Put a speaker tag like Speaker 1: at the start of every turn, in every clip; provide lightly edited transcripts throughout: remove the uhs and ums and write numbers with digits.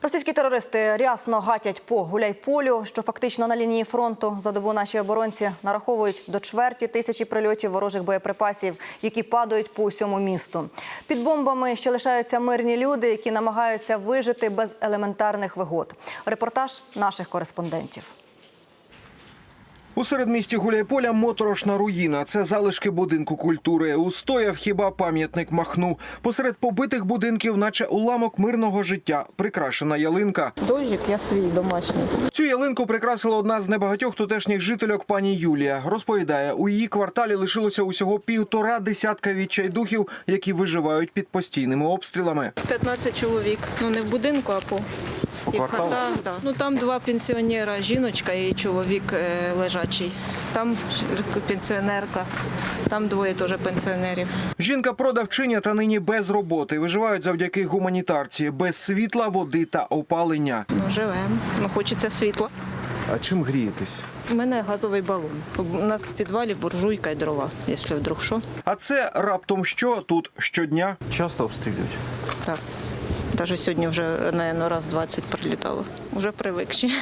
Speaker 1: Російські терористи рясно гатять по Гуляйполю, що фактично на лінії фронту. За добу наші оборонці нараховують до чверті тисячі прильотів ворожих боєприпасів, які падають по усьому місту. Під бомбами ще лишаються мирні люди, які намагаються вижити без елементарних вигод. Репортаж наших кореспондентів.
Speaker 2: У середмісті Гуляйполя моторошна руїна. Це залишки будинку культури. Устояв хіба пам'ятник Махну. Посеред побитих будинків, наче уламок мирного життя, прикрашена ялинка.
Speaker 3: Дощик я свій домашній.
Speaker 2: Цю ялинку прикрасила одна з небагатьох тутешніх жительок пані Юлія. Розповідає, у її кварталі лишилося усього 1,5 десятка відчайдухів, які виживають під постійними обстрілами.
Speaker 3: 15 чоловік. Ну не в будинку, а по хатах. Да. Ну там 2 пенсіонера, жіночка і чоловік лежачий. Там пенсіонерка, там 2 теж пенсіонерів.
Speaker 2: Жінка-продавчиня та нині без роботи. Виживають завдяки гуманітарці, без світла, води та опалення.
Speaker 3: Ну живемо, ну хочеться світла.
Speaker 2: А чим грієтесь?
Speaker 3: У мене газовий балон. У нас в підвалі буржуйка і дрова, якщо вдруг що.
Speaker 2: А це раптом що тут щодня?
Speaker 4: Часто обстрілюють?
Speaker 3: Так. Навіть сьогодні вже, мабуть, раз 20 прилітало. Вже привикші.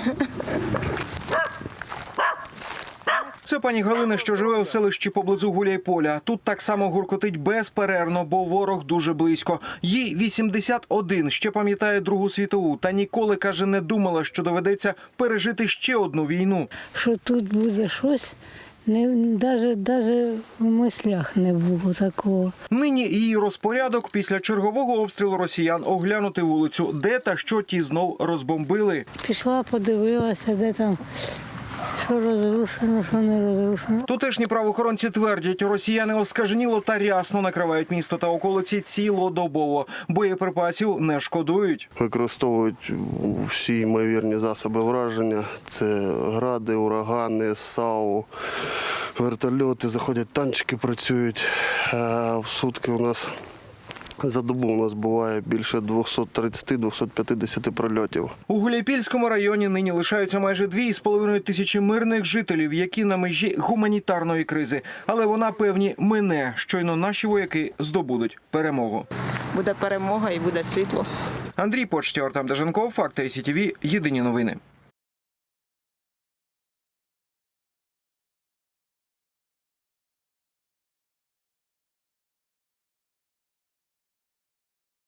Speaker 2: Це пані Галина, що живе у селищі поблизу Гуляйполя. Тут так само гуркотить безперервно, бо ворог дуже близько. Їй 81, ще пам'ятає Другу світову. Та ніколи, каже, не думала, що доведеться пережити ще одну війну.
Speaker 5: Що тут буде щось, навіть в мислях не було такого.
Speaker 2: Нині її розпорядок після чергового обстрілу росіян оглянути вулицю, де та що ті знов розбомбили.
Speaker 5: Пішла, подивилася, де там, що розрушено, що не розрушено.
Speaker 2: Тутешні правоохоронці твердять, росіяни оскаженіло та рясно накривають місто та околиці цілодобово. Боєприпасів не шкодують.
Speaker 6: Використовують всі ймовірні засоби враження. Це гради, урагани, САУ, вертольоти, заходять танчики, працюють. В сутки у нас за добу у нас буває більше 230-250 прильотів.
Speaker 2: У Гуляйпільському районі нині лишаються майже 2,5 тисячі мирних жителів, які на межі гуманітарної кризи. Але вона, певні, мине. Щойно наші вояки здобудуть перемогу.
Speaker 3: Буде перемога і буде світло.
Speaker 2: Андрій Почтєв, Артем Деженков, Факти СІТВ, єдині новини.